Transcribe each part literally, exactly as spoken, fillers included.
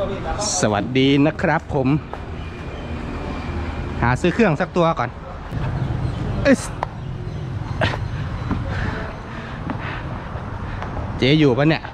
สวัสดีนะครับผมหาซื้อเครื่องสักตัวก่อนเอ๊ะเจ๊อยู่ปะเนี่ย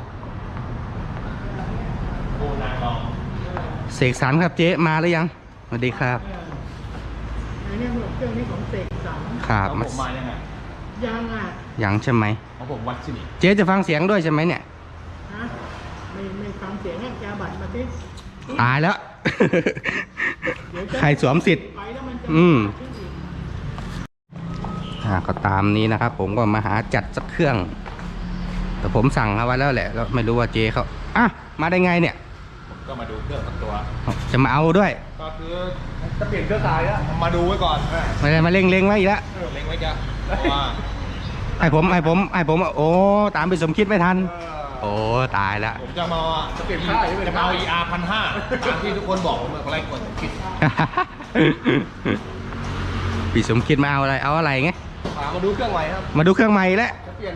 เสกสรรครับเจ๊มาหรือยังสวัสดีครับอันนี้เครื่องนี้ของเสกสรรครับผมมายังไงยังอ่ะยังใช่ไหมของผมวัดสิเจ๊จะฟังเสียงด้วยใช่ไหมเนี่ยฮะไม่ไม่ฟังเสียงให้แกบัตรมาสิตายแล้ว ใครสวมสิทธิ์อืมอ่าก็ตามนี้นะครับผมก็มาหาจัดสักเครื่องแต่ผมสั่งเอาไว้แล้วแหละแล้วไม่รู้ว่าเจ๊เขาอ่ะมาได้ไงเนี่ยก็มาดูเครื่องสักตัวจะมาเอาด้วยก็คือจะเปลี่ยนเครื่องสายแล้วมาดูไว้ก่อนไม่ได้มาเล็งเล็งไว้อีกแล้วเล็งไว้จ้ะว่าไอ้ผมไอ้ผมไอ้ผมโอ้ตามไปสมคิดไม่ทันโอ้ตายแล้วผมจะมาจะเปลี่ยนค่ายจะมาเอา อี อาร์ พันห้าที่ทุกคนบอกผมเมื่อไรกดสมคิดพี่สมคิดมาเอาอะไรเอาอะไรไงมาดูเครื่องใหม่ครับมาดูเครื่องใหม่แล้วจะเปลี่ยน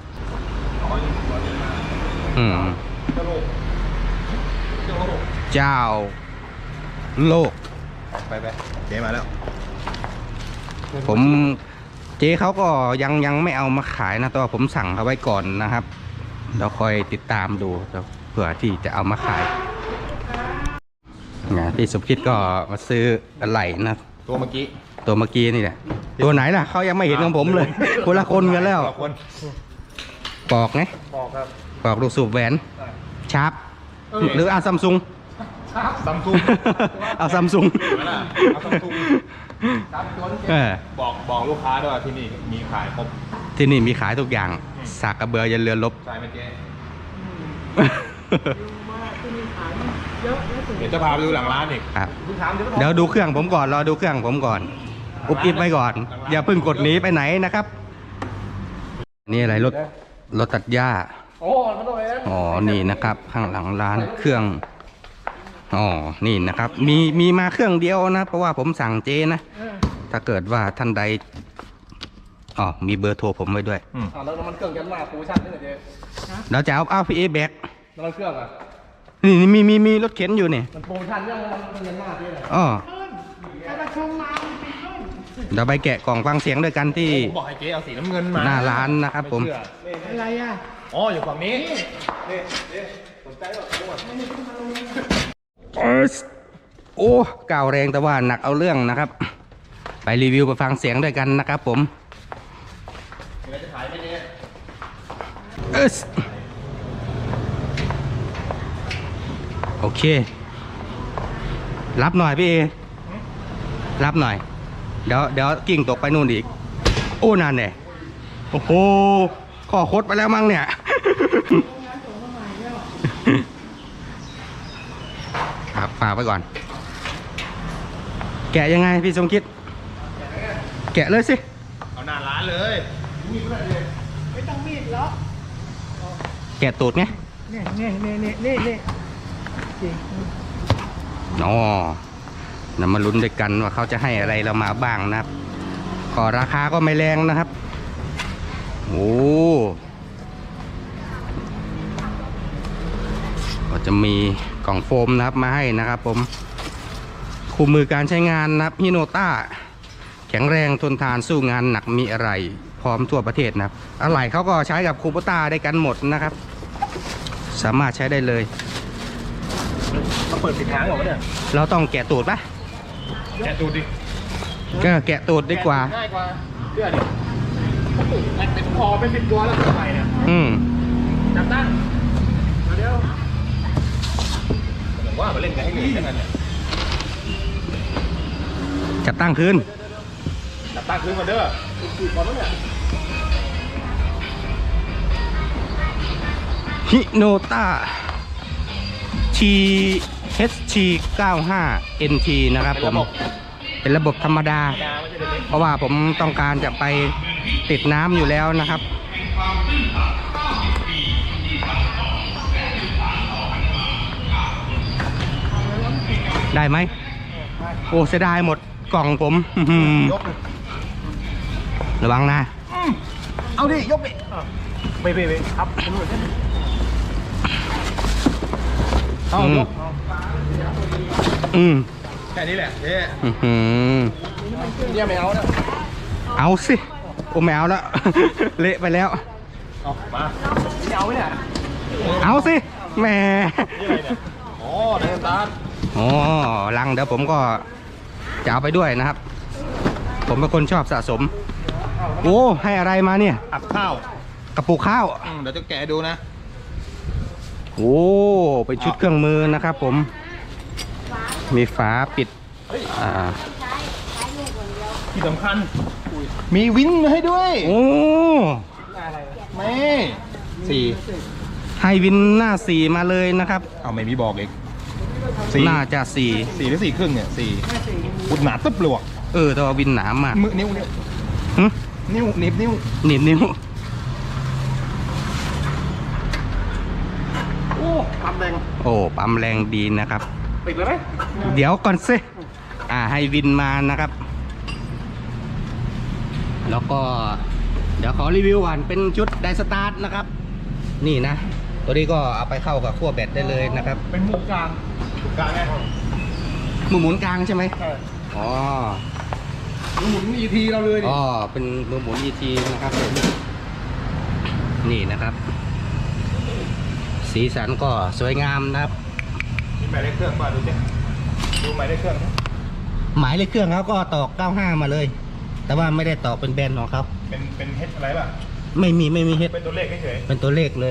อืมเจ้าโลกไปไปเจ๊มาแล้วผมเจ๊เขาก็ยังยังไม่เอามาขายนะแต่ว่าผมสั่งเขาไว้ก่อนนะครับเราคอยติดตามดูเผื่อที่จะเอามาขายนะพี่สมคิดก็มาซื้ออะไรนะตัวเมื่อกี้ตัวเมื่อกี้นี่แหละตัวไหนล่ะเขายังไม่เห็นของผมเลยคนละคนกันแล้วปอกไงปอกครับปอกลูกสูบแหวนชาร์ปหรือเอาซัมซุงซัมซุงเอาซัมซุงเอาซัมซุงบอกบอกลูกค้าด้วยที่นี่มีขายครบที่นี่มีขายทุกอย่างสากกระเบือยันเรือลบใช่ไหมเจ๊เดี๋ยวจะพาไปดูหลังร้านอีกครับเดี๋ยวดูเครื่องผมก่อนรอดูเครื่องผมก่อนอุบอิบไว้ก่อนอย่าเพิ่งกดหนีไปไหนนะครับนี่อะไรรถรถตัดหญ้าอ๋อนี่นะครับข้างหลังร้านเครื่องอ๋อนี่นะครับมีมีมาเครื่องเดียวนะเพราะว่าผมสั่งเจนะถ้าเกิดว่าท่านใดอ๋อมีเบอร์โทรผมไว้ด้วยอ๋อแล้วมันเครื่องยันมาโปรโมชั่นนี่เหรอเจ๊เราจะเอาเอาพีเอแบกแล้วมันเครื่องอ่ะนี่มีมีมีรถเข็นอยู่นี่มันโปรโมชั่นยังมันยันมาที่ไหนอ๋อเดี๋ยวไปแกะกล่องฟังเสียงด้วยกันที่บอกให้เจ๊เอาสีน้ำเงินมาหน้าร้านนะครับผมอะไรอ่ะอ๋ออยู่ฝั่งนี้นี่สนใจหรอโอ้ก่าวแรงแต่ว่าหนักเอาเรื่องนะครับไปรีวิวไปฟังเสียงด้วยกันนะครับผมจะขายไม่เนี่ยโอเครับหน่อยพี่เอรับหน่อยเดี๋ยวเดี๋ยวกิ่งตกไปนู่นอีกโอ้นานเนี่ยโอ้โหข้อคดไปแล้วมั้งเนี่ยครับฝากไปก่อนแกะยังไงพี่สมคิดแกะเลยสิเอาหน้าร้านเลยมีดเลยไม่ต้องมีดหรอกแกะตูดไงนี่นี่นี่นี่นี่นี่อ๋อเรามาลุ้นด้วยกันว่าเขาจะให้อะไรเรามาบ้างนะครับก็ราคาก็ไม่แรงนะครับโอ้ก็จะมีกล่องโฟมนะครับมาให้นะครับผมคู่มือการใช้งานนะครับฮิโนต้าแข็งแรงทนทานสู้งานหนักมีอะไรพร้อมทั่วประเทศนะครับอะไหล่เขาก็ใช้กับคูโบต้าได้กันหมดนะครับสามารถใช้ได้เลยเราเปิดปิดทางหรอเนี่ยเราต้องแกะตูดปะแกะตูดดิก็แกะตูดดีกว่าง่ายกว่าเชื่อดิมันเป็นคอเป็นสิบตัวแล้วทำไมเนี่ยอืมจับตั้งมาเดี๋ยวผมว่ามาเล่นกันให้เหนื่อยกันเนี่ยจับตั้งคืนจับตั้งคืนมาเด้อติดก่อนแล้วเนี่ยฮิโนต้า ที เอช ที เก้าห้า เอ็น ที นะครับผมเป็นระบบธรรมดาเพราะว่าผมต้องการจะไปติดน้ำอยู่แล้วนะครับได้ไหมโอ้เสียดายหมดกล่องผมระวังนะเอาดิยกดิไปไปไปครับเอาอืมยกเอาอืมแค่นี้แหละเจ๊อื้อหือเนี่ยไม่เอานะเอาสิโอ้ไม่เอาแล้ว เละไปแล้วเอามาไม่เอาไหมเนี่ยเอาสิแหมนี่อะไรเนี่ยอ๋อเดินตามอ๋อลังเดี๋ยวผมก็จะเอาไปด้วยนะครับ ผมเป็นคนชอบสะสม โอ้ให้อะไรมาเนี่ยอับข้าวกระปุกข้าวอืมเดี๋ยวจะแกะดูนะโอ้เป็นชุดเครื่องมือนะครับผม มีฝาปิดอ่าที่สำคัญมีวินมาให้ด้วยโอ้แม่สี่ให้วินหน้าสี่มาเลยนะครับเอาไม่มีบอกอีกสี่น่าจะสี่สี่หรือสี่ครึ่งเนี่ยสี่อุดหนาตึ๊บหลวกเออแต่ว่าวินหนามากมือนิ้วนิ้วหึนิ้วหนิบนิ้วหนีบนิ้วโอ้ปั๊มแดงโอ้ปั๊มแรงดีนะครับติดเลยไหมเดี๋ยวก่อนสิอ่าให้วินมานะครับ แล้วก็ เดี๋ยวขอรีวิวก่อนเป็นชุดไดสตาร์ทนะครับ นี่นะ ตัวนี้ก็เอาไปเข้ากับขั้วแบตได้เลยนะครับเป็นมุมกลางกลางไงมือหมุนกลางใช่ไหมใช่อ๋อหมุนอีทีเราเลยดิอ๋อเป็นมือหมุน อี ที นะครับผมนี่นะครับ สีสันก็สวยงามนะครับมีหมายเลขเครื่องป่ะดูดิดูหมายเลขเครื่องหมายเลขเครื่องเขาก็ตอกเก้าห้ามาเลย แต่ว่าไม่ได้ตอกเป็นแบรนด์ของเขาเป็นเป็นเฮดอะไรป่ะไม่มีไม่มีเฮดเป็นตัวเลขเฉยเป็นตัวเลขเลย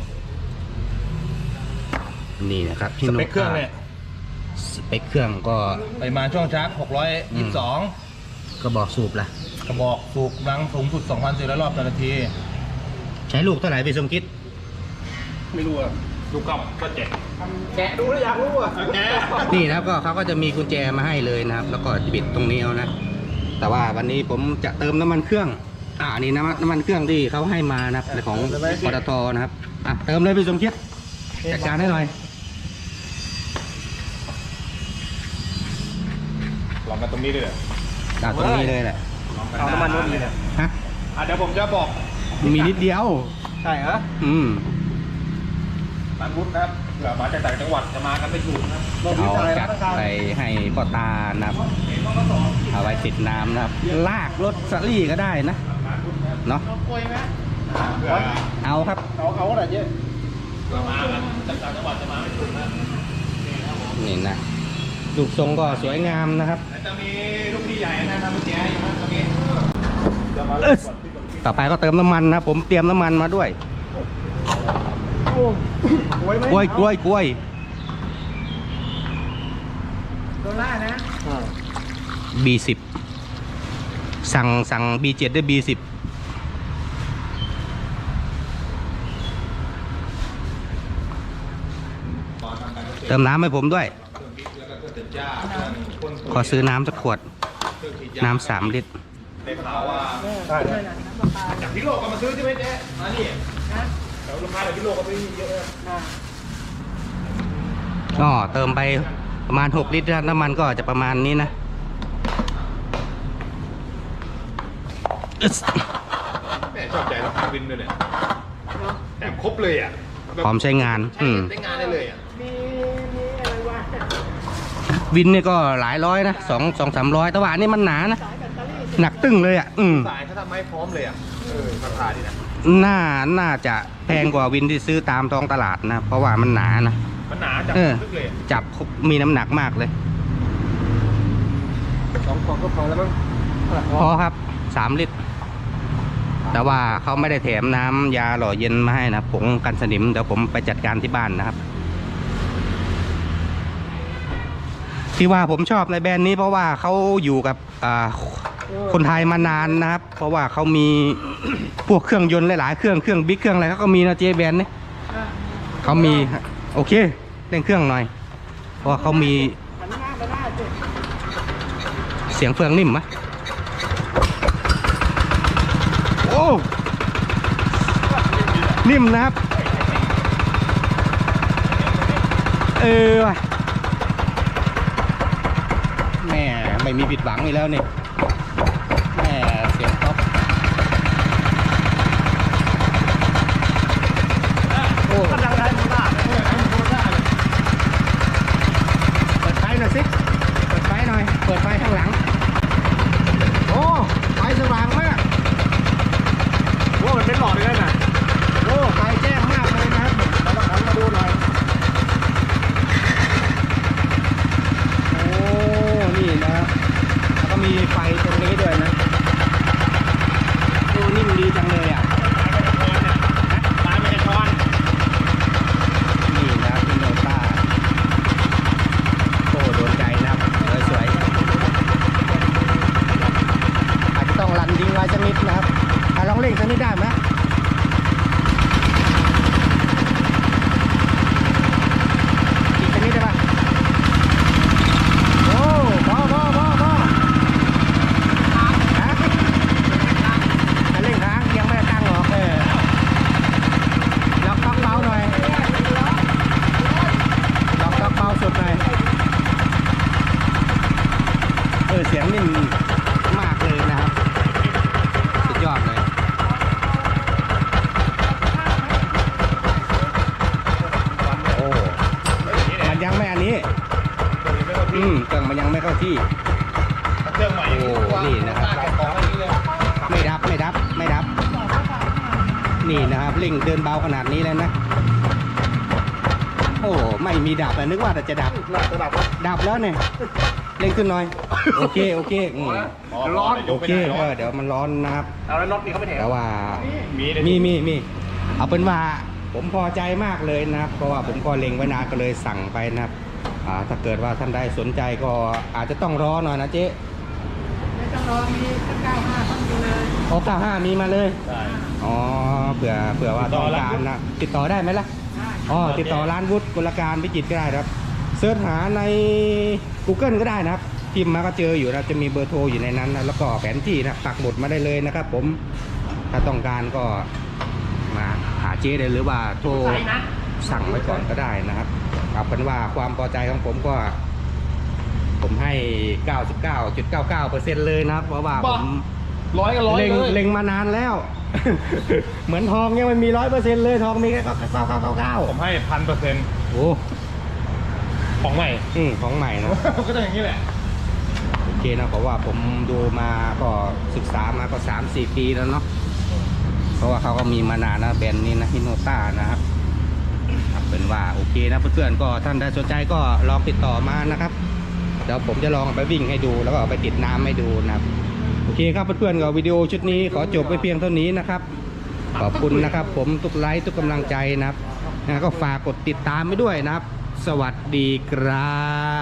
นี่นะครับๆสเปคเครื่องเนี่ยสเปคเครื่องก็ปริมาณช่วงชาร์จหกร้อยยี่สิบสองกระบอกสูบละกระบอกสูบกำลังสูงสุดสองพันสี่ร้อยรอบต่อนาทีใช้ลูกเท่าไหร่พี่สมคิดไม่รู้อ่ะดูกล่องก็เจ็ดแกะดูแล้วอยากรู้อ่ะแกะนี่นะครับก็เขาก็จะมีกุญแจมาให้เลยนะครับ แล้วก็ปิดตรงนี้เอานะ แต่ว่าวันนี้ผมจะเติมน้ำมันเครื่อง อ่านี่น้ำมันน้ำมันเครื่องที่เขาให้มานะครับในของปตทนะครับ อ่ะเติมเลยพี่สมคิดจัดการให้หน่อยลองกันตรงนี้ด้วยเหรอจากตรงนี้เลยแหละเอาน้ำมันนู่นนี่เนี่ยฮะอ่ะเดี๋ยวผมจะบอกมีนิดเดียวใช่เหรออืมร้านวุฒินะครับเผื่อมาจากต่างจังหวัดจะมากันไม่ถูกนะครับเอาจัดไปให้พ่อตานะครับเอาไว้ติดน้ำนะครับ ลากรถสลี่ก็ได้นะ เนาะเอากล้วยไหมเผื่อเอาครับเอาเอาอะไรเยอะเผื่อมากันจากต่างจังหวัดจะมาไม่ถูกนะนี่นะรูปทรงก็สวยงามนะครับแต่จะมีลูกพี่ใหญ่นะครับเมื่อกี้อยู่นะตรงนี้จะมาเอ้ยต่อไปก็เติมน้ำมันนะผมเตรียมน้ำมันมาด้วยโอ้กล้วยไหมกล้วยกล้วยกล้วยโดล่านะบี สิบ สั่งสั่ง บี เจ็ด ได้ บี สิบ เติมน้ำให้ผมด้วย ขอซื้อน้ำสักขวด น้ำสามลิตรได้ข่าวว่าใช่จากพิโลกก็มาซื้อใช่ไหมเจ๊มานี่เดี๋ยวลูกค้าจากพิโลกก็ซื้อเยอะเลยก็เติมไปประมาณหกลิตรน้ำมันก็จะประมาณนี้นะอึ๊สแม่ชอบใจรถวินด้วยเนี่ยแถมครบเลยอ่ะพร้อมใช้งาน อืมได้งานได้เลยอ่ะมีมีอะไรวะวินเนี่ยก็หลายร้อยนะสองสองสามร้อยแต่ว่าอันนี้มันหนานะสายแบตเตอรี่หนักตึ้งเลยอ่ะ อืมสายเขาทำให้พร้อมเลยอ่ะเออราคาดีนะน่า น่าจะแพงกว่าวินที่ซื้อตามท้องตลาดนะ เพราะว่ามันหนานะมันหนาจับเออลึกเลยอะจับมีน้ำหนักมากเลยสองกล่องก็พอแล้วมั้งพอครับสามลิตร แต่ว่าเขาไม่ได้แถมน้ำยาหล่อเย็นมาให้นะผงกันสนิมเดี๋ยวผมไปจัดการที่บ้านนะครับ ที่ว่าผมชอบในแบรนด์นี้เพราะว่าเขาอยู่กับอ่าคนไทยมานานนะครับ เพราะว่าเขามี พวกเครื่องยนต์หลายๆเครื่องเครื่องบิ๊กเครื่องอะไรเขาก็มีนะเจแบรนด์นี่อ่ะเขามีโอเคเร่งเครื่องหน่อย เพราะว่าเขามีหันหน้าไปหน้าเจ็บเสียงเฟืองนิ่มไหมโอ้นิ่มนะครับเออว่ะแม่ไม่มีผิดหวังอีกแล้วนี่แม่เสียงท็อปโอ้กำลังได้โดล่าอืมเครื่องมันยังไม่เข้าที่เครื่องใหม่โอ้นี่นะครับของอะไรนี่เลยไม่ดับไม่ดับไม่ดับ นี่นะครับเร่งเดินเบาขนาดนี้เลยนะ โอ้ไม่มีดับอะนึกว่าแต่จะดับระดับดับแล้วเนี่ยเร่งขึ้นหน่อย โอเคโอเคอืมร้อนโอเคเออเดี๋ยวมันร้อนนะครับเอาแล้วน็อตนี่เขาไม่แถมแต่ว่ามีมีมีมีเอาเป็นว่าผมพอใจมากเลยนะครับ เพราะว่าผมก็เล็งไว้นานก็เลยสั่งไปนะครับอ่าถ้าเกิดว่าท่านใดสนใจก็อาจจะต้องรอหน่อยนะเจ๊ไม่ต้องรอมีเก้าห้าต้องมีเลยโอ้เก้าห้ามีมาเลยใช่อ๋อเผื่อเผื่อว่าต้องการนะติดต่อได้ไหมล่ะได้อ๋อติดต่อร้านวุฒิกุลการพิจิตรก็ได้ครับเสิร์ชหาใน Google ก็ได้นะครับพิมพ์มาก็เจออยู่นะจะมีเบอร์โทรอยู่ในนั้นนะแล้วก็แผนที่นะปักหมุดมาได้เลยนะครับ ผมถ้าต้องการก็มาหาเจ๊ได้หรือว่าโทรใส่นะสั่งไว้ก่อนก็ได้นะครับเอาเป็นว่าความพอใจของผมก็ ผมให้ เก้าสิบเก้าจุดเก้าเก้าเปอร์เซ็นต์ เลยนะครับเพราะว่าผมร้อยก็ร้อยเล็งเลยเล็งมานานแล้ว เหมือนทองยังไม่มีร้อยเปอร์เซ็นต์เลยทองมีแค่เก้าเก้าเก้าเก้าเก้าผมให้พันเปอร์เซ็นต์โอ้ของใหม่อืมของใหม่นะก็ต้องอย่างนี้แหละโอเคนะเพราะว่าผมดูมาก็ศึกษามาก็สามสี่ปีแล้วเนาะเพราะว่าเขาก็มีมานานนะแบรนด์นี้นะฮิโนต้านะครับครับเป็นว่าโอเคนะเพื่อนๆก็ท่านใดสนใจก็ลองติดต่อมานะครับเดี๋ยวผมจะลองเอาไปวิ่งให้ดูแล้วก็เอาไปติดน้ำให้ดูนะครับโอเคครับเพื่อนๆก็วิดีโอชุดนี้ขอจบไปเพียงเท่านี้นะครับขอบคุณนะครับ ผมทุกไลค์ทุกกำลังใจนะครับนะก็ฝากกดติดตามไปด้วยนะครับ สวัสดีครับ